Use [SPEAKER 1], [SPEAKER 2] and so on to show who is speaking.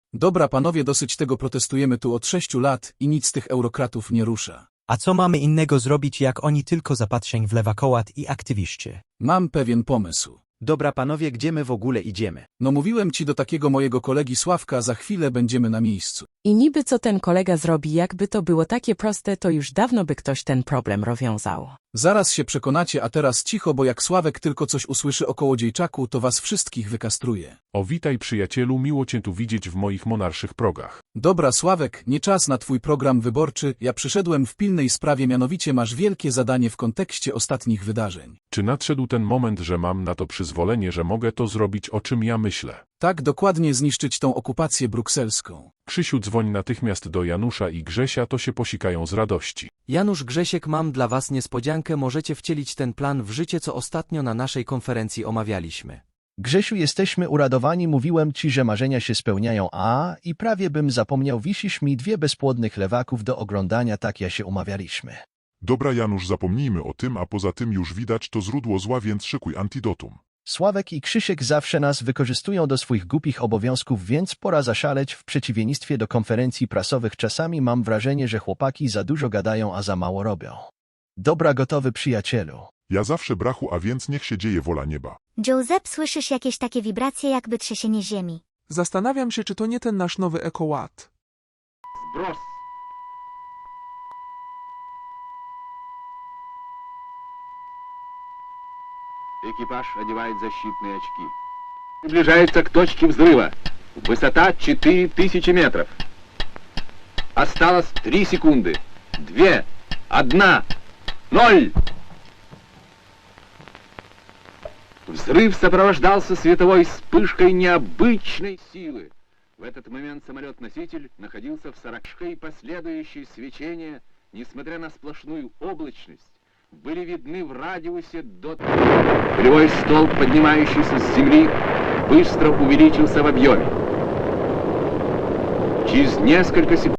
[SPEAKER 1] Dobra panowie, dosyć tego, protestujemy tu od 6 lat i nic tych eurokratów nie rusza.
[SPEAKER 2] A co mamy innego zrobić, jak oni tylko zapatrzeń w lewakołat i aktywiści?
[SPEAKER 1] Mam pewien pomysł.
[SPEAKER 3] Dobra panowie, gdzie my w ogóle idziemy?
[SPEAKER 1] No mówiłem ci do takiego mojego kolegi Sławka, za chwilę będziemy na miejscu.
[SPEAKER 4] I niby co ten kolega zrobi, jakby to było takie proste, to już dawno by ktoś ten problem rozwiązał.
[SPEAKER 1] Zaraz się przekonacie, a teraz cicho, bo jak Sławek tylko coś usłyszy o kołodziejczaku, to was wszystkich wykastruje.
[SPEAKER 5] O, witaj przyjacielu, miło cię tu widzieć w moich monarszych progach.
[SPEAKER 1] Dobra Sławek, nie czas na twój program wyborczy, ja przyszedłem w pilnej sprawie, mianowicie masz wielkie zadanie w kontekście ostatnich wydarzeń.
[SPEAKER 5] Czy nadszedł ten moment, że mam na to przyzwolenie, że mogę to zrobić, o czym ja myślę?
[SPEAKER 1] Tak, dokładnie, zniszczyć tą okupację brukselską.
[SPEAKER 5] Krzysiu, dzwoń natychmiast do Janusza i Grzesia, to się posikają z radości.
[SPEAKER 6] Janusz, Grzesiek, mam dla was niespodziankę, możecie wcielić ten plan w życie, co ostatnio na naszej konferencji omawialiśmy.
[SPEAKER 7] Grzesiu, jesteśmy uradowani, mówiłem ci, że marzenia się spełniają, i prawie bym zapomniał, wisisz mi 2 bezpłodnych lewaków do oglądania, tak ja się umawialiśmy.
[SPEAKER 8] Dobra Janusz, zapomnijmy o tym, a poza tym już widać to źródło zła, więc szykuj antidotum.
[SPEAKER 7] Sławek i Krzysiek zawsze nas wykorzystują do swoich głupich obowiązków, więc pora zaszaleć. W przeciwieństwie do konferencji prasowych czasami mam wrażenie, że chłopaki za dużo gadają, a za mało robią. Dobra, gotowy przyjacielu.
[SPEAKER 8] Ja zawsze brachu, a więc niech się dzieje wola nieba.
[SPEAKER 9] Joseph, słyszysz jakieś takie wibracje, jakby trzęsienie ziemi?
[SPEAKER 10] Zastanawiam się, czy to nie ten nasz nowy ekoład.
[SPEAKER 11] Сброс. Экипаж одевает защитные очки. Приближается к точке взрыва. Высота 4000 метров. Осталось 3 секунды. 2, 1, 0. Взрыв сопровождался световой вспышкой необычной силы. В этот момент самолет-носитель находился в 40 и последующие свечения, несмотря на сплошную облачность, были видны в радиусе до... Полевой столб, поднимающийся с земли, быстро увеличился в объеме. Через несколько секунд